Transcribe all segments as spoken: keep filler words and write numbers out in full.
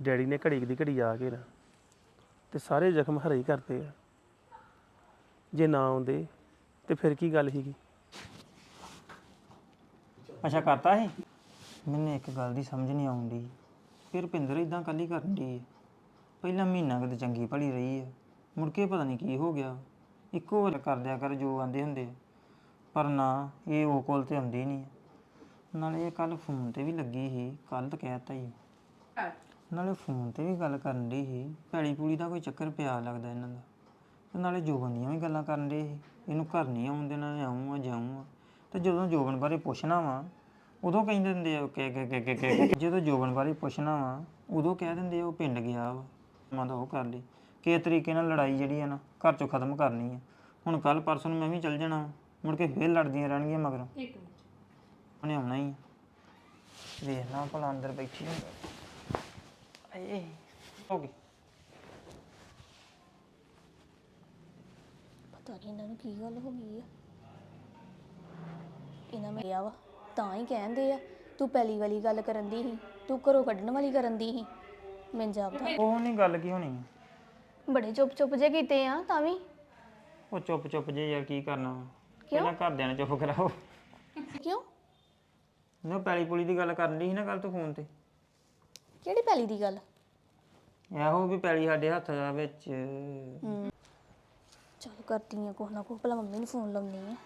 Daddy ਨੇ ਘੜੀ ਕੁ ਦੀ ਘੜੀ ਆ ਕੇ ਨਾ ਤੇ ਸਾਰੇ ਜ਼ਖਮ ਹਰੇ ਹੀ ਕਰਤੇ ਆ। ਜੇ ਨਾ ਆਉਂਦੇ ਤੇ ਫਿਰ ਕੀ ਗੱਲ ਸੀਗੀ। ਅੱਛਾ ਕਰਤਾ ਸੀ। ਮੈਨੂੰ ਇੱਕ ਗੱਲ ਦੀ ਸਮਝ ਨਹੀਂ ਆਉਂਦੀ ਫਿਰ ਰੁਪਿੰਦਰ ਇਦਾਂ ਕੱਲੀ ਕਰਨ ਦੀ ਹੈ। ਪਹਿਲਾਂ ਮਹੀਨਾ ਕਦੇ ਚੰਗੀ ਭਲੀ ਰਹੀ ਹੈ, ਮੁੜ ਕੇ ਪਤਾ ਨਹੀਂ ਕੀ ਹੋ ਗਿਆ। ਇੱਕੋ ਵਾਰ ਕਰ ਦਿਆ ਕਰ ਜੋ ਆਂਦੇ ਹੁੰਦੇ ਆ, ਪਰ ਨਾ ਇਹ ਉਹ ਕੋਲ ਤੇ ਹੁੰਦੀ ਨਹੀਂ। ਨਾਲੇ ਇਹ ਕੱਲ ਫੋਨ ਤੇ ਵੀ ਲੱਗੀ ਸੀ, ਕੱਲ ਤਾਂ ਕਹਿ ਤਾ ਹੀ। ਨਾਲੇ ਫੋਨ ਤੇ ਵੀ ਗੱਲ ਕਰਨ ਦੀ ਸੀ, ਪੈਲੀ ਪੂਲੀ ਦਾ ਕੋਈ ਚੱਕਰ ਪਿਆ ਲੱਗਦਾ ਇਹਨਾਂ ਦਾ। ਤੇ ਨਾਲੇ ਜੋਬਨ ਦੀਆਂ ਵੀ ਗੱਲਾਂ ਕਰਨ ਦੇ ਸੀ, ਇਹਨੂੰ ਘਰ ਨਹੀਂ ਆਉਣ ਦੇਣਾ, ਆਊਂ ਆ ਜਾਊਂ ਆ। ਤੇ ਜਦੋਂ ਜੋਬਨ ਬਾਰੇ ਪੁੱਛਣਾ ਵਾ ਉਦੋਂ ਕਹਿੰਦੇ ਦਿੰਦੇ ਆ ਕਿ ਕਿ ਕਿ ਜਦੋਂ ਜੋਬਨ ਬਾਰੇ ਪੁੱਛਣਾ ਵਾ ਉਦੋਂ ਕਹਿ ਦਿੰਦੇ ਆ ਉਹ ਪਿੰਡ ਗਿਆ ਵਾ। ਮੈਂ ਤਾਂ ਉਹ ਕਰ ਲਈ ਕਿਸੇ ਤਰੀਕੇ ਨਾਲ ਲੜਾਈ ਜਿਹੜੀ ਆ ਨਾ ਘਰ ਚੋਂ ਖਤਮ ਕਰਨੀ ਆ। ਹੁਣ ਕੱਲ ਪਰਸੋਂ ਨੂੰ ਮੈਂ ਵੀ ਚੱਲ ਜਾਣਾ, ਮੁੜ ਕੇ ਫੇਰ ਲੜਦੀਆਂ ਰਹਿਣਗੀਆਂ ਮਗਰੋਂ। ਉਹਨੇ ਆਉਣਾ ਹੀ ਵੇਖਣਾ ਭਲਾ ਅੰਦਰ ਬੈਠੀ ਹੁੰਦਾ। ਏ ਹੋ ਗਈ ਪਤਾ ਨਹੀਂ ਇਹਨਾਂ ਨੂੰ ਕੀ ਗੱਲ ਹੋ ਗਈ ਆ। ਇਹਨਾਂ ਮੈਂ ਗਿਆ ਵਾ ਤਾਂ ਹੀ ਕਹਿੰਦੇ ਆ ਤੂੰ ਪਹਿਲੀ ਵਾਲੀ ਗੱਲ ਕਰਨ ਦੀ ਸੀ, ਤੂੰ ਘਰੋਂ ਕੱਢਣ ਵਾਲੀ ਕਰਨ ਦੀ ਸੀ। ਮੈਂ ਜਾਪਦਾ ਉਹ ਨਹੀਂ ਗੱਲ ਕੀ ਹੋਣੀ ਆ। ਬੜੇ ਚੁੱਪ ਚੁੱਪ ਜੇ ਕੀਤੇ ਆ ਤਾਂ ਵੀ। ਉਹ ਚੁੱਪ ਚੁੱਪ ਜੇ ਯਾਰ ਕੀ ਕਰਨਾ ਵਾ, ਪਹਿਲਾਂ ਘਰਦਿਆਂ ਨੇ ਚੁੱਪ ਕਰਾਓ। ਕਿਉਂ? ਨਾ ਪੈਲੀ ਪੁਲੀ ਦੀ ਗੱਲ ਕਰਨ ਦੀ ਸੀ ਨਾ ਕੱਲ ਤੂੰ ਫੋਨ ਤੇ। ਕਿਹੜੀ ਪਹਿਲੀ ਦੀ ਗੱਲ? ਇਹੋ ਵੀ ਪੈਲੀ ਸਾਡੇ ਹੱਥ ਦਾ ਵਿੱਚ। ਚਲ ਕਰਦੀ ਆ ਕੁਛ ਨਾ ਕੁਛ, ਭਲਾ ਮੰਮੀ ਨੂੰ ਫੋਨ ਲਾਉਣੀ ਆ।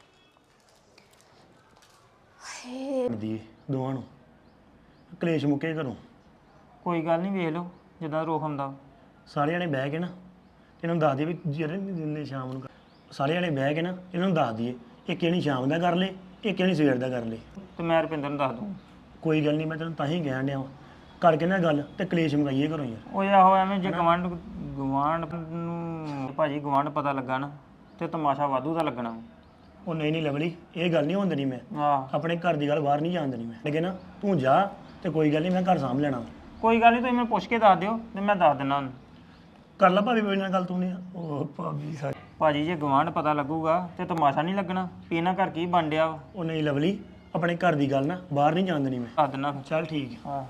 ਦੀ ਦੋਵਾਂ ਨੂੰ ਕਲੇਸ਼ ਮੁੱਕੇ ਘਰੋਂ। ਕੋਈ ਗੱਲ ਨਹੀਂ, ਵੇਖ ਲਓ ਜਿੱਦਾਂ ਰੋਕ ਹੁੰਦਾ। ਸਾਰੇ ਜਣੇ ਬਹਿ ਕੇ ਨਾ ਇਹਨਾਂ ਨੂੰ ਦੱਸ ਦਈਏ ਵੀ ਜਿਹੜੇ ਦਿਨ ਸ਼ਾਮ ਨੂੰ ਸਾਰੇ ਜਣੇ ਬਹਿ ਕੇ ਨਾ ਇਹਨਾਂ ਨੂੰ ਦੱਸ ਦਈਏ ਇੱਕ ਜਣੀ ਸ਼ਾਮ ਦਾ ਕਰ ਲੇ, ਇੱਕ ਜਣੀ ਸਵੇਰ ਦਾ ਕਰ ਲੇ। ਤੇ ਮੈਂ ਰੁਪਿੰਦਰ ਨੂੰ ਦੱਸ ਦੂੰ। ਕੋਈ ਗੱਲ ਨਹੀਂ, ਮੈਂ ਤੈਨੂੰ ਤਾਂ ਹੀ ਕਹਿਣ ਡਿਆ ਵਾਂ ਕਰਕੇ ਨਾ ਗੱਲ ਤੇ ਕਲੇਸ਼ ਮੁਕਾਈਏ ਘਰੋਂ ਯਾਰ। ਉਹ ਆਹੋ ਐਵੇਂ ਜੇ ਗਵਾਂਢ ਗਵਾਂਢ ਨੂੰ ਭਾਜੀ ਗਵਾਂਢ ਪਤਾ ਲੱਗਾ ਨਾ ਤੇ ਤਮਾਸ਼ਾ ਵਾਧੂ ਦਾ ਲੱਗਣਾ। ਉਹ ਨਹੀਂ ਨਹੀਂ ਲਵਲੀ, ਇਹ ਗੱਲ ਨਹੀਂ ਹੋਣ ਦੇਣੀ। ਮੈਂ ਆਹ ਆਪਣੇ ਘਰ ਦੀ ਗੱਲ ਬਾਹਰ ਨਹੀਂ ਜਾਣ ਦੇਣੀ। ਮੈਂ ਲੇਕਿਨ ਨਾ ਤੂੰ ਜਾ ਤੇ ਕੋਈ ਗੱਲ ਨਹੀਂ, ਮੈਂ ਘਰ ਸਾਂਭ ਲੈਣਾ। ਕੋਈ ਗੱਲ ਨਹੀਂ, ਤੁਸੀਂ ਮੈਨੂੰ ਪੁੱਛ ਕੇ ਦੱਸ ਦਿਓ ਤੇ ਮੈਂ ਦੱਸ ਦਿੰਦਾ ਉਹਨੂੰ। ਕਰ ਲਾ ਭਾਬੀ ਮੇਰੇ ਨਾਲ ਗੱਲ ਤੂੰ ਨਹੀਂ। ਉਹ ਭਾਬੀ ਸਾਡੀ ਭਾਜੀ ਜੇ ਗਵਾਂਢ ਪਤਾ ਲੱਗੂਗਾ ਤੇ ਤਮਾਸ਼ਾ ਨਹੀਂ ਲੱਗਣਾ ਵੀ ਇਹਨਾਂ ਘਰ ਕੀ ਬਣ ਡਿਆ ਵਾ। ਉਹ ਨਹੀਂ ਲਵਲੀ, ਆਪਣੇ ਘਰ ਦੀ ਗੱਲ ਨਾ ਬਾਹਰ ਨਹੀਂ ਜਾਣ ਦੇਣੀ ਮੈਂ। ਦੱਸ ਦਿੰਦਾ ਫਿਰ। ਚੱਲ ਠੀਕ ਹੈ। ਹਾਂ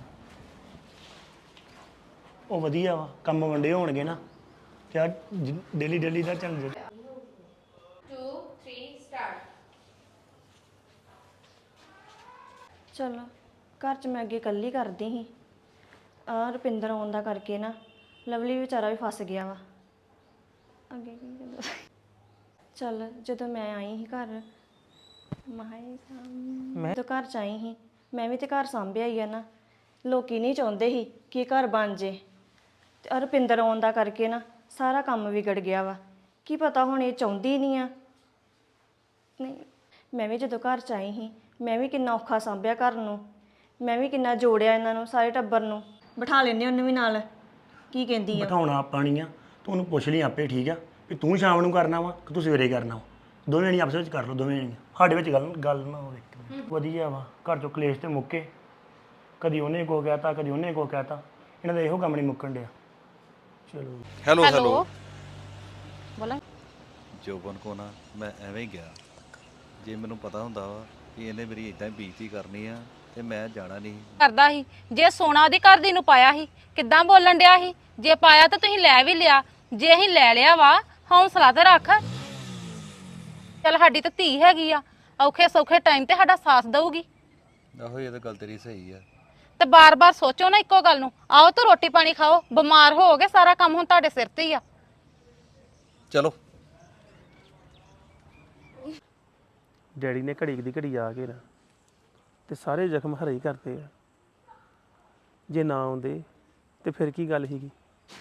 ਉਹ ਵਧੀਆ ਵਾ, ਕੰਮ ਵੰਡੇ ਹੋਣਗੇ ਨਾ ਤੇ ਡੇਲੀ ਡੇਲੀ ਦਾ ਚੱਲ ਜੇ। ਚਲੋ ਘਰ 'ਚ ਮੈਂ ਅੱਗੇ ਇਕੱਲੀ ਕਰਦੀ ਸੀ, ਆ ਰੁਪਿੰਦਰ ਆਉਣ ਦਾ ਕਰਕੇ ਨਾ ਲਵਲੀ ਵਿਚਾਰਾ ਵੀ ਫਸ ਗਿਆ ਵਾ। ਅੱਗੇ ਕੀ ਕਹਿੰਦਾ ਚੱਲ ਜਦੋਂ ਮੈਂ ਆਈ ਸੀ ਘਰ ਮਾਹੀ ਮੈਂ ਤਾਂ ਘਰ 'ਚ ਆਈ ਸੀ, ਮੈਂ ਵੀ ਤੇ ਘਰ ਸਾਂਭਿਆ ਹੀ ਆ ਨਾ। ਲੋਕੀ ਨਹੀਂ ਚਾਹੁੰਦੇ ਸੀ ਕਿ ਘਰ ਬਣ ਜੇ ਤੇ ਰੁਪਿੰਦਰ ਆਉਣ ਦਾ ਕਰਕੇ ਨਾ ਸਾਰਾ ਕੰਮ ਵਿਗੜ ਗਿਆ ਵਾ। ਕੀ ਪਤਾ ਹੁਣ ਇਹ ਚਾਹੁੰਦੀ ਨਹੀਂ ਆ। ਨਹੀਂ ਮੈਂ ਵੀ ਜਦੋਂ ਘਰ 'ਚ ਆਈ ਸੀ ਮੈਂ ਵੀ ਕਿੰਨਾ ਔਖਾ ਸਾਂਭਿਆ ਘਰ ਨੂੰ, ਮੈਂ ਵੀ ਕਿੰਨਾ ਜੋੜਿਆ ਇਹਨਾਂ ਨੂੰ ਸਾਰੇ ਟੱਬਰ ਨੂੰ। ਬਿਠਾ ਲੈਂਦੇ ਉਹਨੂੰ ਵੀ ਨਾਲ। ਕੀ ਕਹਿੰਦੀ ਆ? ਬਿਠਾਉਣਾ ਆਪਾਂ ਨਹੀਂ ਆ, ਤੂੰ ਉਹਨੂੰ ਪੁੱਛ ਲਈ ਆਪੇ। ਠੀਕ ਆ ਵੀ ਤੂੰ ਸ਼ਾਮ ਨੂੰ ਕਰਨਾ ਵਾ ਕਿ ਤੂੰ ਸਵੇਰੇ ਕਰਨਾ ਵਾ। ਦੋਵੇਂ ਜਣੇ ਆਪਸ ਵਿੱਚ ਕਰ ਲਓ, ਦੋਵੇਂ ਜਣੇ ਸਾਡੇ ਵਿੱਚ ਗੱਲ ਗੱਲ ਨਾ ਹੋਵੇ। ਵਧੀਆ ਵਾ, ਘਰ ਚੋਂ ਕਲੇਸ਼ ਤੇ ਮੁੱਕੇ। ਕਦੀ ਉਹਨੇ ਕੋ ਕਹਿਤਾ ਕਦੀ ਉਹਨੇ ਕੋ ਕਹਿਤਾ, ਇਹਨਾਂ ਦਾ ਇਹੋ ਕੰਮ ਨਹੀਂ ਮੁੱਕਣ ਡਿਆ। ਚਲੋ ਹੈਲੋ ਹੈਲੋ ਬੋਲਾਂ। ਜੋਬਨ ਕੋ ਨਾ ਮੈਂ ਐਵੇਂ ਹੀ ਗਿਆ। ਜੇ ਮੈਨੂੰ ਪਤਾ ਹੁੰਦਾ ਵਾ ਕਿ ਇਹਨੇ ਮੇਰੀ ਇਦਾਂ ਹੀ ਬੇਇੱਜ਼ਤੀ ਕਰਨੀ ਆ ਤੇ ਮੈਂ ਜਾਣਾ ਨਹੀਂ ਕਰਦਾ ਸੀ। ਜੇ ਸੋਨਾ ਉਹਦੀ ਘਰ ਦੀ ਨੂੰ ਪਾਇਆ ਸੀ ਕਿੱਦਾਂ ਬੋਲਣ ਡਿਆ ਸੀ। ਜੇ ਪਾਇਆ ਤਾਂ ਤੁਸੀਂ ਲੈ ਵੀ ਲਿਆ, ਜੇ ਅਸੀਂ ਲੈ ਲਿਆ ਵਾ ਹੌਸਲਾ ਤੇ ਰੱਖ। ਚੱਲ ਸਾਡੀ ਤਾਂ ਧੀ ਹੈਗੀ ਆ, ਔਖੇ ਸੌਖੇ ਟਾਈਮ ਤੇ ਸਾਡਾ ਸਾਥ ਦਊਗੀ। ਆਹੋ ਇਹ ਤਾਂ ਗੱਲ ਤੇਰੀ ਸਹੀ ਆ। ਤੇ ਬਾਰ-ਬਾਰ ਸੋਚੋ ਨਾ ਇੱਕੋ ਗੱਲ ਨੂੰ। ਆਓ ਤਾਂ ਰੋਟੀ ਪਾਣੀ ਖਾਓ, ਬਿਮਾਰ ਹੋਗੇ ਸਾਰਾ ਕੰਮ ਹੁਣ ਤੁਹਾਡੇ ਸਿਰ ਤੇ ਹੀ ਆ। ਚਲੋ ਡੈਡੀ ਨੇ ਘੜੀ ਕੁ ਦੀ ਘੜੀ ਆ ਕੇ ਨਾ ਤੇ ਸਾਰੇ ਜ਼ਖਮ ਹਰੇ ਹੀ ਕਰਤੇ ਆ। ਜੇ ਨਾ ਆਉਂਦੇ ਤੇ ਫਿਰ ਕੀ ਗੱਲ ਸੀਗੀ।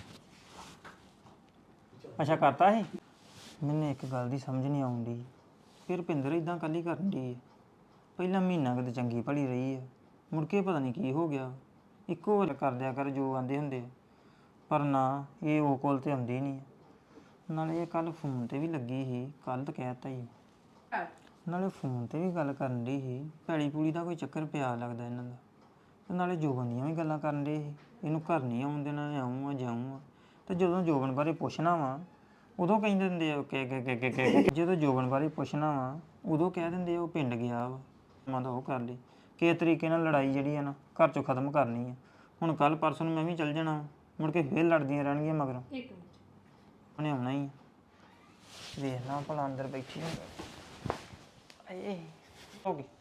ਅੱਛਾ ਕਰਤਾ ਸੀ। ਮੈਨੂੰ ਇੱਕ ਗੱਲ ਦੀ ਸਮਝ ਨਹੀਂ ਆਉਂਦੀ ਫਿਰ ਰੁਪਿੰਦਰ ਇਦਾਂ ਕੱਲੀ ਕਰਨ ਦੀ ਹੈ। ਪਹਿਲਾਂ ਮਹੀਨਾ ਕਦੇ ਚੰਗੀ ਭਲੀ ਰਹੀ ਹੈ, ਮੁੜ ਕੇ ਪਤਾ ਨਹੀਂ ਕੀ ਹੋ ਗਿਆ। ਇੱਕੋ ਵਾਰ ਕਰ ਦਿਆ ਕਰ ਜੋ ਆਂਦੇ ਹੁੰਦੇ ਆ, ਪਰ ਨਾ ਇਹ ਉਹ ਕੋਲ ਤੇ ਹੁੰਦੀ ਨਹੀਂ। ਨਾਲੇ ਇਹ ਕੱਲ ਫੋਨ ਤੇ ਵੀ ਲੱਗੀ ਸੀ, ਕੱਲ ਤਾਂ ਕਹਿ ਤਾ ਹੀ। ਨਾਲੇ ਫੋਨ ਤੇ ਵੀ ਗੱਲ ਕਰਨ ਦੀ ਸੀ, ਪੈਲੀ ਪੂਲੀ ਦਾ ਕੋਈ ਚੱਕਰ ਪਿਆ ਲੱਗਦਾ ਇਹਨਾਂ ਦਾ। ਤੇ ਨਾਲੇ ਜੋਬਨ ਦੀਆਂ ਵੀ ਗੱਲਾਂ ਕਰਨ ਦੇ ਸੀ, ਇਹਨੂੰ ਘਰ ਨਹੀਂ ਆਉਣ ਦੇਣਾ, ਆਊਂ ਆ ਜਾਊਂ ਆ। ਤੇ ਜਦੋਂ ਜੋਬਨ ਬਾਰੇ ਪੁੱਛਣਾ ਵਾ ਉਦੋਂ ਕਹਿੰਦੇ ਦਿੰਦੇ ਆ ਕਿ ਕਿ ਜਦੋਂ ਜੋਬਨ ਬਾਰੇ ਪੁੱਛਣਾ ਵਾ ਉਦੋਂ ਕਹਿ ਦਿੰਦੇ ਆ ਉਹ ਪਿੰਡ ਗਿਆ ਵਾ। ਮੈਂ ਤਾਂ ਉਹ ਕਰ ਲਈ ਕਿਸੇ ਤਰੀਕੇ ਨਾਲ ਲੜਾਈ ਜਿਹੜੀ ਆ ਨਾ ਘਰ ਚੋਂ ਖਤਮ ਕਰਨੀ ਆ। ਹੁਣ ਕੱਲ ਪਰਸੋਂ ਨੂੰ ਮੈਂ ਵੀ ਚੱਲ ਜਾਣਾ, ਮੁੜ ਕੇ ਫੇਰ ਲੜਦੀਆਂ ਰਹਿਣਗੀਆਂ ਮਗਰੋਂ। ਇੱਕ ਮਿੰਟ ਉਹਨੇ ਆਉਣਾ ਹੀ ਆ। ਵੇਖ ਲਾ ਭਲਾ ਅੰਦਰ ਬੈਠੀ ਹੋਵੇ। ਆਏ ਹੋ ਗਈ।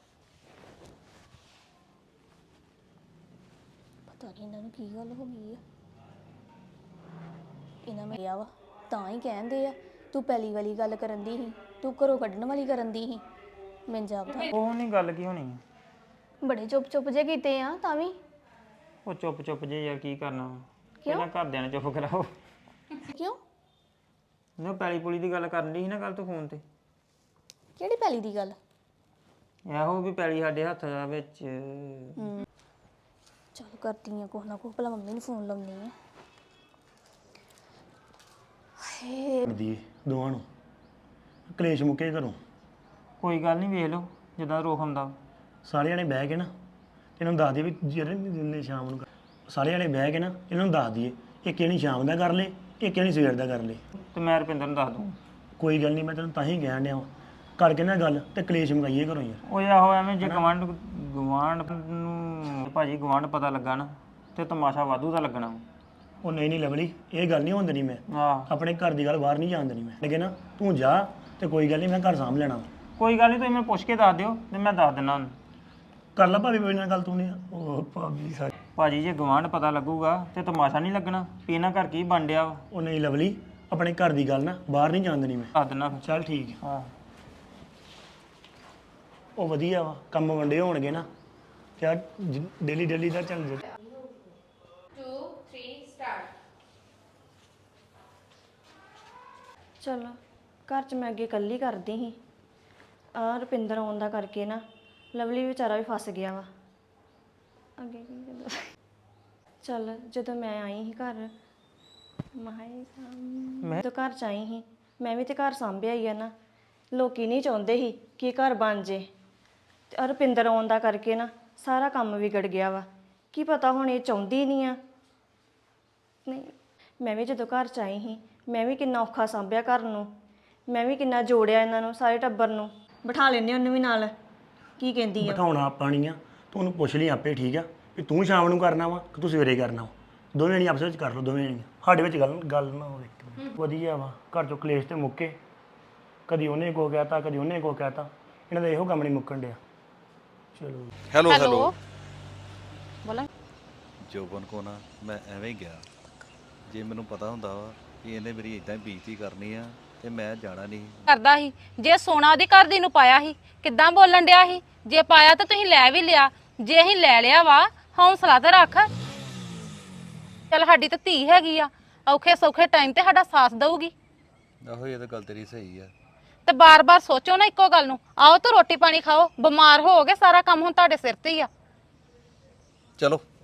ਪਤਾ ਨਹੀਂ ਇਹਨਾਂ ਨੂੰ ਕੀ ਗੱਲ ਹੋ ਗਈ ਆ। ਇਹਨਾਂ ਮੈਂ ਗਿਆ ਵਾ ਤਾਂ ਹੀ ਕਹਿੰਦੇ ਆ ਤੂੰ ਪਹਿਲੀ ਵਾਲੀ ਗੱਲ ਕਰਨ ਦੀ ਸੀ, ਤੂੰ ਘਰੋਂ ਕੱਢਣ ਵਾਲੀ ਕਰਨ ਦੀ ਸੀ। ਮੈਂ ਜਾਪਦਾ ਉਹ ਨਹੀਂ ਗੱਲ ਕੀ ਹੋਣੀ ਆ। ਬੜੇ ਚੁੱਪ ਚੁੱਪ ਜੇ ਕੀਤੇ ਆ ਤਾਂ ਵੀ। ਉਹ ਚੁੱਪ ਚੁੱਪ ਜੇ ਯਾਰ ਕੀ ਕਰਨਾ ਵਾ। ਪਹਿਲਾਂ ਘਰਦਿਆਂ ਨੇ ਚੁੱਪ ਕਰਾਓ। ਕਿਉਂ? ਉਹ ਪੈਲੀ ਪੁਲੀ ਦੀ ਗੱਲ ਕਰਨ ਦੀ ਸੀ ਨਾ ਕੱਲ ਤੂੰ ਫੋਨ ਤੇ। ਕਿਹੜੀ ਪਹਿਲੀ ਦੀ ਗੱਲ? ਇਹੋ ਵੀ ਪੈਲੀ ਸਾਡੇ ਹੱਥ ਦਾ ਵਿੱਚ। ਚੱਲ ਕਰਦੀ ਆ ਕੁਛ ਨਾ ਕੁਛ, ਭਲਾ ਮੰਮੀ ਨੂੰ ਫੋਨ ਲਾਉਣੀ ਆ। ਦੀ ਦੋਵਾਂ ਨੂੰ ਕਲੇਸ਼ ਮੁੱਕੇ ਘਰੋਂ। ਕੋਈ ਗੱਲ ਨਹੀਂ, ਵੇਖ ਲਓ ਜਿੱਦਾਂ ਰੋਖ ਹੁੰਦਾ। ਸਾਰੇ ਜਣੇ ਬਹਿ ਕੇ ਨਾ ਇਹਨਾਂ ਨੂੰ ਦੱਸ ਦਈਏ ਵੀ ਜਿਹੜੇ ਦਿਨ ਸ਼ਾਮ ਨੂੰ ਕਰ- ਸਾਰੇ ਜਣੇ ਬਹਿ ਕੇ ਨਾ ਇਹਨਾਂ ਨੂੰ ਦੱਸ ਦਈਏ, ਇੱਕ ਜਣੀ ਸ਼ਾਮ ਦਾ ਕਰ ਲੇ, ਇੱਕ ਜਣੀ ਸਵੇਰ ਦਾ ਕਰ ਲੇ। ਤੇ ਮੈਂ ਰੁਪਿੰਦਰ ਨੂੰ ਦੱਸ ਦੂੰ। ਕੋਈ ਗੱਲ ਨਹੀਂ, ਮੈਂ ਤੈਨੂੰ ਤਾਂ ਹੀ ਕਹਿਣ ਡਿਆ ਵਾਂ। ਕਰਕੇ ਨਾ ਗੱਲ ਤੇ ਕਲੇਸ਼ ਮੁਕਾਈਏ ਘਰੋਂ ਯਾਰ। ਉਹ ਆਹੋ ਐਵੇਂ ਜੇ ਗਵਾਂਢ ਗਵਾਂਢ ਨੂੰ ਭਾਜੀ ਗਵਾਂਢ ਪਤਾ ਲੱਗਾ ਨਾ ਤੇ ਤਮਾਸ਼ਾ ਵਾਧੂ ਦਾ ਲੱਗਣਾ। ਉਹ ਨਹੀਂ ਨਹੀਂ ਲਵਲੀ, ਇਹ ਗੱਲ ਨਹੀਂ ਹੋਣ ਦੇਣੀ। ਮੈਂ ਆਹ ਆਪਣੇ ਘਰ ਦੀ ਗੱਲ ਬਾਹਰ ਨਹੀਂ ਜਾਣ ਦੇਣੀ। ਮੈਂ ਲੇਕਿਨ ਨਾ ਤੂੰ ਜਾ ਤੇ ਕੋਈ ਗੱਲ ਨਹੀਂ, ਮੈਂ ਘਰ ਸਾਂਭ ਲੈਣਾ ਵਾ। ਕੋਈ ਗੱਲ ਨਹੀਂ, ਤੁਸੀਂ ਮੈਨੂੰ ਪੁੱਛ ਕੇ ਦੱਸ ਦਿਓ ਤੇ ਮੈਂ ਦੱਸ ਦਿੰਦਾ ਉਹਨੂੰ। ਕਰ ਲਾ ਭਾਬੀ ਮੇਰੇ ਨਾਲ ਗੱਲ ਤੂੰ ਨੇ। ਉਹ ਭਾਬੀ ਸਾਡੀ। ਭਾਜੀ ਜੇ ਗਵਾਂਢ ਪਤਾ ਲੱਗੂਗਾ ਤੇ ਤਮਾਸ਼ਾ ਨਹੀਂ ਲੱਗਣਾ ਵੀ ਇਹਨਾਂ ਘਰ ਕੀ ਬਣ ਡਿਆ ਵਾ। ਉਹ ਨਹੀਂ ਲਵਲੀ, ਆਪਣੇ ਘਰ ਦੀ ਗੱਲ ਨਾ ਬਾਹਰ ਨਹੀਂ ਜਾਣ ਦੇਣੀ ਮੈਂ। ਦੱਸ ਦਿੰਦਾ ਫਿਰ। ਚੱਲ ਠੀਕ ਹੈ। ਹਾਂ ਉਹ ਵਧੀਆ ਵਾ, ਕੰਮ ਵੰਡੇ ਹੋਣਗੇ ਨਾ ਯਾਰ, ਡੇਲੀ ਡੇਲੀ ਦਾ ਚੱਲ ਜਾ। ਚਲੋ ਘਰ 'ਚ ਮੈਂ ਅੱਗੇ ਇਕੱਲੀ ਕਰਦੀ ਸੀ। ਆ ਰੁਪਿੰਦਰ ਆਉਣ ਦਾ ਕਰਕੇ ਨਾ ਲਵਲੀ ਵਿਚਾਰਾ ਵੀ ਫਸ ਗਿਆ ਵਾ। ਅੱਗੇ ਕੀ ਕਹਿੰਦਾ? ਚੱਲ ਜਦੋਂ ਮੈਂ ਆਈ ਸੀ ਘਰ ਮਾਹੀ ਮੈਂ ਤਾਂ ਘਰ 'ਚ ਆਈ ਸੀ, ਮੈਂ ਵੀ ਤੇ ਘਰ ਸਾਂਭਿਆ ਹੀ ਆ ਨਾ। ਲੋਕੀ ਨਹੀਂ ਚਾਹੁੰਦੇ ਸੀ ਕਿ ਘਰ ਬਣ ਜੇ, ਤੇ ਰੁਪਿੰਦਰ ਆਉਣ ਦਾ ਕਰਕੇ ਨਾ ਸਾਰਾ ਕੰਮ ਵਿਗੜ ਗਿਆ ਵਾ। ਕੀ ਪਤਾ ਹੁਣ ਇਹ ਚਾਹੁੰਦੀ ਨਹੀਂ ਆ। ਨਹੀਂ, ਮੈਂ ਵੀ ਜਦੋਂ ਘਰ 'ਚ ਆਈ ਸੀ ਮੈਂ ਵੀ ਕਿੰਨਾ ਔਖਾ ਸਾਂਭਿਆ ਘਰ ਨੂੰ, ਮੈਂ ਵੀ ਕਿੰਨਾ ਜੋੜਿਆ ਇਹਨਾਂ ਨੂੰ, ਸਾਰੇ ਟੱਬਰ ਨੂੰ। ਬਿਠਾ ਲੈਂਦੇ ਉਹਨੂੰ ਵੀ ਨਾਲ। ਕੀ ਕਹਿੰਦੀ ਆ? ਬਿਠਾਉਣਾ ਆਪਾਂ ਨਹੀਂ ਆ, ਤੂੰ ਉਹਨੂੰ ਪੁੱਛ ਲਈ ਆਪੇ, ਠੀਕ ਆ? ਵੀ ਤੂੰ ਸ਼ਾਮ ਨੂੰ ਕਰਨਾ ਵਾ ਕਿ ਤੂੰ ਸਵੇਰੇ ਕਰਨਾ ਵਾ। ਦੋਵੇਂ ਜਣੀ ਆਪਸ ਵਿੱਚ ਕਰ ਲਓ, ਦੋਵੇਂ ਜਣੀਆਂ। ਸਾਡੇ ਵਿੱਚ ਗੱਲ ਗੱਲ ਨਾ ਹੋਵੇ। ਵਧੀਆ ਵਾ, ਘਰ ਚੋਂ ਕਲੇਸ਼ ਤੇ ਮੁੱਕੇ। ਕਦੀ ਉਹਨੇ ਕੋ ਕਹਿਤਾ, ਕਦੀ ਉਹਨੇ ਕੋ ਕਹਿਤਾ। ਇਹਨਾਂ ਦਾ ਇਹੋ ਕੰਮ ਨਹੀਂ ਮੁੱਕਣ ਡਿਆ। ਚਲੋ ਹੈਲੋ ਹੈਲੋ ਬੋਲਾਂ। ਜੋਬਨ ਕੋ ਨਾ ਮੈਂ ਐਵੇਂ ਹੀ ਗਿਆ। ਜੇ ਮੈਨੂੰ ਪਤਾ ਹੁੰਦਾ ਵਾ ਕਿ ਇਹਨੇ ਮੇਰੀ ਇਦਾਂ ਹੀ ਬੇਇੱਜ਼ਤੀ ਕਰਨੀ ਆ ਤੇ ਮੈਂ ਜਾਣਾ ਨਹੀਂ। ਕਰਦਾ ਸੀ ਜੇ ਸੋਨਾ ਉਹਦੀ ਘਰ ਦੀ ਨੂੰ ਪਾਇਆ ਸੀ, ਕਿੱਦਾਂ ਬੋਲਣ ਡਿਆ ਸੀ। ਜੇ ਪਾਇਆ ਤਾਂ ਤੁਸੀਂ ਲੈ ਵੀ ਲਿਆ, ਜੇ ਅਸੀਂ ਲੈ ਲਿਆ ਵਾ ਹੌਸਲਾ ਤੇ ਰੱਖ। ਚੱਲ ਸਾਡੀ ਤਾਂ ਧੀ ਹੈਗੀ ਆ, ਔਖੇ ਸੌਖੇ ਟਾਈਮ ਤੇ ਸਾਡਾ ਸਾਥ ਦਊਗੀ। ਆਹੋ ਇਹ ਤਾਂ ਗੱਲ ਤੇਰੀ ਸਹੀ ਆ। ਤੇ ਬਾਰ-ਬਾਰ ਸੋਚੋ ਨਾ ਇੱਕੋ ਗੱਲ ਨੂੰ। ਆਓ ਤਾਂ ਰੋਟੀ ਪਾਣੀ ਖਾਓ, ਬਿਮਾਰ ਹੋਗੇ, ਸਾਰਾ ਕੰਮ ਹੁਣ ਤੁਹਾਡੇ ਸਿਰ ਤੇ ਹੀ ਆ। ਚਲੋ